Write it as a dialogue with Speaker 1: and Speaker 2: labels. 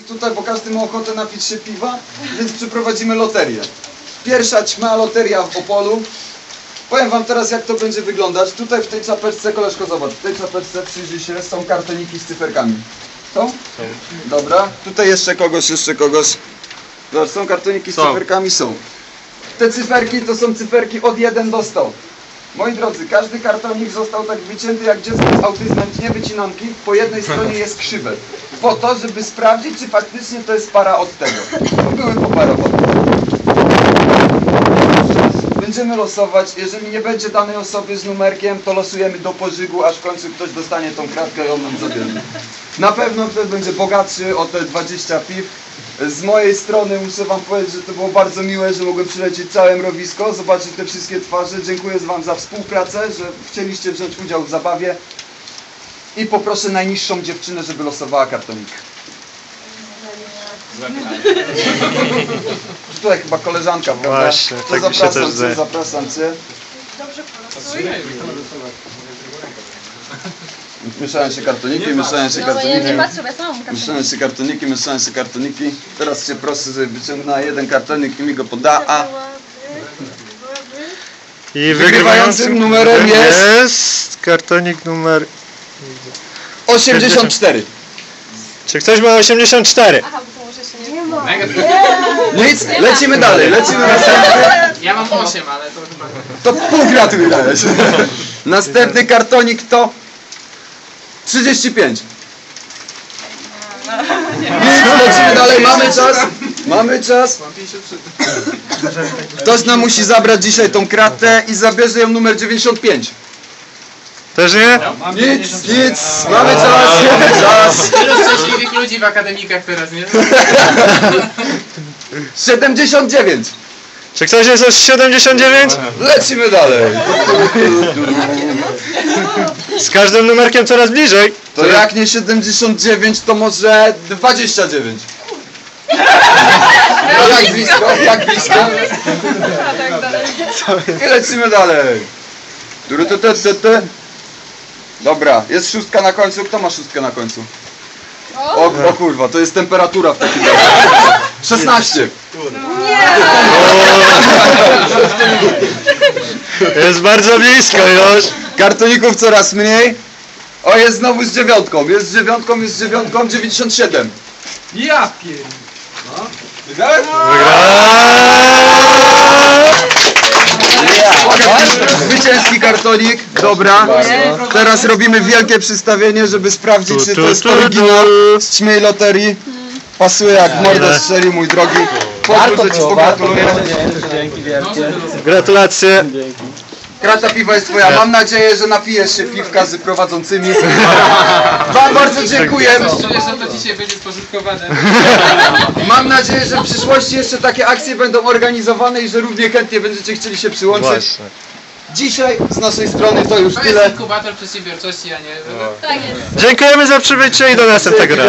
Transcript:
Speaker 1: tutaj, bo każdy ma ochotę napić się piwa, więc przeprowadzimy loterię. Pierwsza ćma loteria w Opolu. Powiem wam teraz, jak to będzie wyglądać. Tutaj w tej czapeczce, koleżko, zobacz, w tej czapeczce, przyjrzyj się, są kartoniki z cyferkami. Są? Dobra. Tutaj jeszcze kogoś. Zobacz, są kartoniki z cyferkami, są. Te cyferki to są cyferki od 1 do 100. Moi drodzy, każdy kartonik został tak wycięty jak dziecko z autyzmem, nie wycinanki. Po jednej stronie jest krzywe. Po to, żeby sprawdzić, czy faktycznie to jest para od tego. Były poparowane. Będziemy losować. Jeżeli nie będzie danej osoby z numerkiem, to losujemy do pożygu, aż w końcu ktoś dostanie tą kratkę i on nam zabierze. Na pewno ktoś będzie bogatszy o te 20 piw. Z mojej strony muszę wam powiedzieć, że to było bardzo miłe, że mogłem przylecieć całe mrowisko, zobaczyć te wszystkie twarze. Dziękuję wam za współpracę, że chcieliście wziąć udział w zabawie. I poproszę najniższą dziewczynę, żeby losowała kartonik. Tutaj chyba koleżanka, prawda?
Speaker 2: Właśnie,
Speaker 1: to
Speaker 2: tak mi się też zdaje.
Speaker 1: zapraszam cię.
Speaker 3: Dobrze polosuj.
Speaker 1: Mieszają się kartoniki, mieszają się
Speaker 3: No ja nie
Speaker 1: kartoniki.
Speaker 3: patrzę, bo ja sama mam
Speaker 1: Mieszają się kartoniki. Teraz cię proszę, żeby wyciągnęła jeden kartonik i mi go poda. A
Speaker 2: I
Speaker 1: wygrywającym numerem
Speaker 2: jest kartonik numer...
Speaker 1: 84.
Speaker 2: Czy ktoś ma 84?
Speaker 3: Aha, bo to może się nie...
Speaker 1: Nic, lecimy dalej, lecimy następny.
Speaker 4: Ja mam 8, ale to chyba...
Speaker 1: To pół gratuluję. Następny kartonik to 35. Nic, lecimy dalej, mamy czas.
Speaker 4: Mam 53.
Speaker 1: Ktoś nam musi zabrać dzisiaj tą kratę i zabierze ją numer 95.
Speaker 2: Też nie?
Speaker 1: Nic, mamy czas.
Speaker 4: Tylu szczęśliwych ludzi w akademikach teraz, nie?
Speaker 1: 79.
Speaker 2: Czy ktoś jest o 79?
Speaker 1: Lecimy dalej.
Speaker 2: Z każdym numerkiem coraz bliżej.
Speaker 1: To jak nie 79, to może 29. Jak blisko, jak blisko. I lecimy dalej. Dobra, jest szóstka na końcu. Kto ma szóstkę na końcu? O kurwa, to jest temperatura w takim razie. 16.
Speaker 2: Jest bardzo blisko już.
Speaker 1: Kartoników coraz mniej. O, jest znowu z dziewiątką. Jest z dziewiątką. 97.
Speaker 4: Ja pier...
Speaker 1: Wygrałem? Zwycięski kartonik. Dobra. Teraz robimy wielkie przystawienie, żeby sprawdzić, czy to jest oryginał z ćmiej loterii. Pasuje jak mordę strzeli, mój drogi. Pozwól, że ci pogratuluję.
Speaker 2: Gratulacje.
Speaker 1: Krata piwa jest twoja. Mam nadzieję, że napijesz się piwka z prowadzącymi. Wam bardzo dziękuję.
Speaker 4: Czuję, że to dzisiaj będzie spożytkowane.
Speaker 1: Mam nadzieję, że w przyszłości jeszcze takie akcje będą organizowane i że równie chętnie będziecie chcieli się przyłączyć.
Speaker 2: Właśnie.
Speaker 1: Dzisiaj z naszej strony to już
Speaker 4: To jest
Speaker 1: tyle.
Speaker 4: inkubator przedsiębiorczości, a nie...
Speaker 3: Tak jest.
Speaker 2: Dziękujemy za przybycie i do następnego razu.